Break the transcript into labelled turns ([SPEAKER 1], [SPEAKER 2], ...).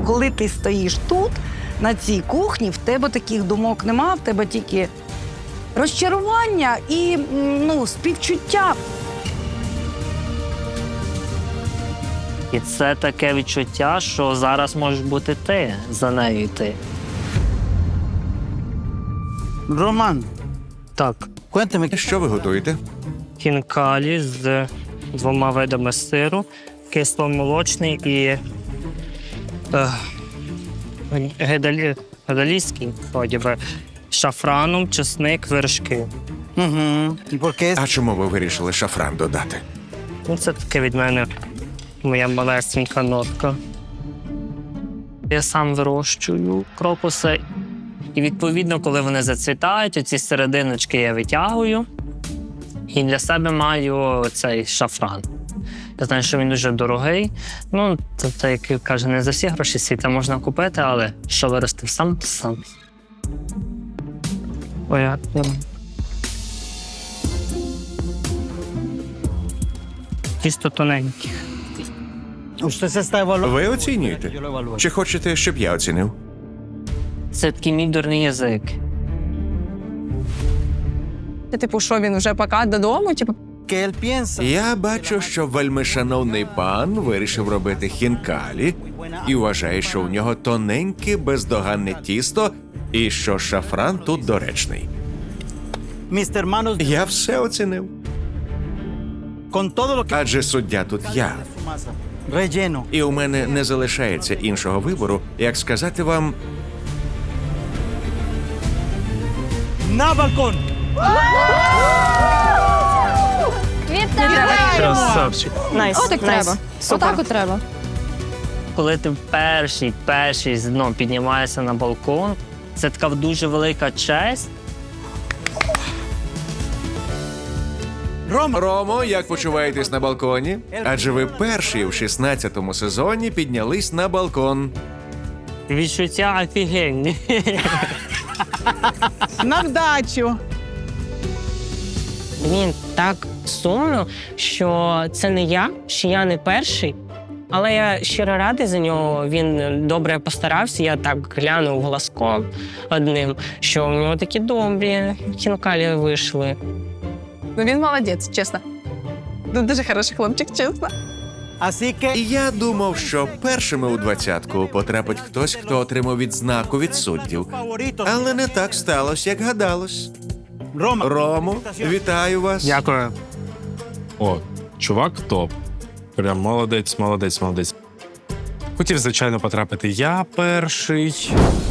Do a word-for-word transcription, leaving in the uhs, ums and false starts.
[SPEAKER 1] коли ти стоїш тут, на цій кухні, в тебе таких думок нема, в тебе тільки розчарування і, ну, співчуття.
[SPEAKER 2] І це таке відчуття, що зараз можеш бути ти, за нею йти.
[SPEAKER 3] Роман,
[SPEAKER 2] Так,
[SPEAKER 3] cuéntame.
[SPEAKER 4] Що ви готуєте?
[SPEAKER 2] хінкалі з двома видами сиру, кисломолочний і е, гедалі, гедалійський, вроді би, шафраном, чесник, вершки.
[SPEAKER 3] Угу. ¿Y por qué?
[SPEAKER 4] А чому ви вирішили шафран додати?
[SPEAKER 2] Ну, це таке від мене моя малесенька нотка. Я сам вирощую крокуси. І, відповідно, коли вони зацвітають, оці серединочки я витягую. І для себе маю цей шафран. Я знаю, що він дуже дорогий. Ну, тобто, як каже, не за всі гроші світа можна купити, але що виростив сам, то сам. Ой, а я... Чисто тоненькі.
[SPEAKER 3] Usted se está evaluando.
[SPEAKER 4] Ви оцінюєте?
[SPEAKER 3] Yo lo evalúo.
[SPEAKER 4] Чи хочете, щоб я оцінив?
[SPEAKER 2] Це такий мій дурний язик.
[SPEAKER 5] Типу, що він вже пока додому? Типу,
[SPEAKER 3] ¿Qué él piensa?
[SPEAKER 4] Я бачу, що вельмишановний пан вирішив робити хінкалі і вважає, що у нього тоненьке, бездоганне тісто і що шафран тут доречний.
[SPEAKER 3] Mis hermanos,
[SPEAKER 4] Я все оцінив.
[SPEAKER 3] con todo lo que
[SPEAKER 4] Адже суддя тут я.
[SPEAKER 3] su masa, relleno.
[SPEAKER 4] І у мене не залишається іншого вибору, як сказати вам,
[SPEAKER 3] ¡Na balcón!
[SPEAKER 2] Красавчик.
[SPEAKER 5] найс. Отак треба. Отак от треба.
[SPEAKER 2] Коли ти перший, перший ну, піднімаєшся на балкон, це така дуже велика честь.
[SPEAKER 3] Рома,
[SPEAKER 4] Ромо, як почуваєтесь на балконі? Адже ви перший у шістнадцятому сезоні піднялись на балкон.
[SPEAKER 2] Відчуття офігенні.
[SPEAKER 6] На вдачу.
[SPEAKER 7] Він так сумно, що це не я, що я не перший. Але я щиро радий за нього. Він добре постарався. Я так глянув глазком одним, що у нього такі добрі хінкалі вийшли.
[SPEAKER 5] Ну він молодець, чесно. Ну, дуже хороший хлопчик, чесно.
[SPEAKER 3] así que
[SPEAKER 4] І я думав, що першими у двадцятку потрапить хтось, хто отримав відзнаку від суддів.
[SPEAKER 3] favorito.
[SPEAKER 4] Але не так сталося, як гадалось.
[SPEAKER 3] Рома,
[SPEAKER 4] Ромо, вітаю вас.
[SPEAKER 2] Дякую.
[SPEAKER 8] О, чувак топ. Прям молодець, молодець, молодець. Хотів, звичайно, потрапити я перший.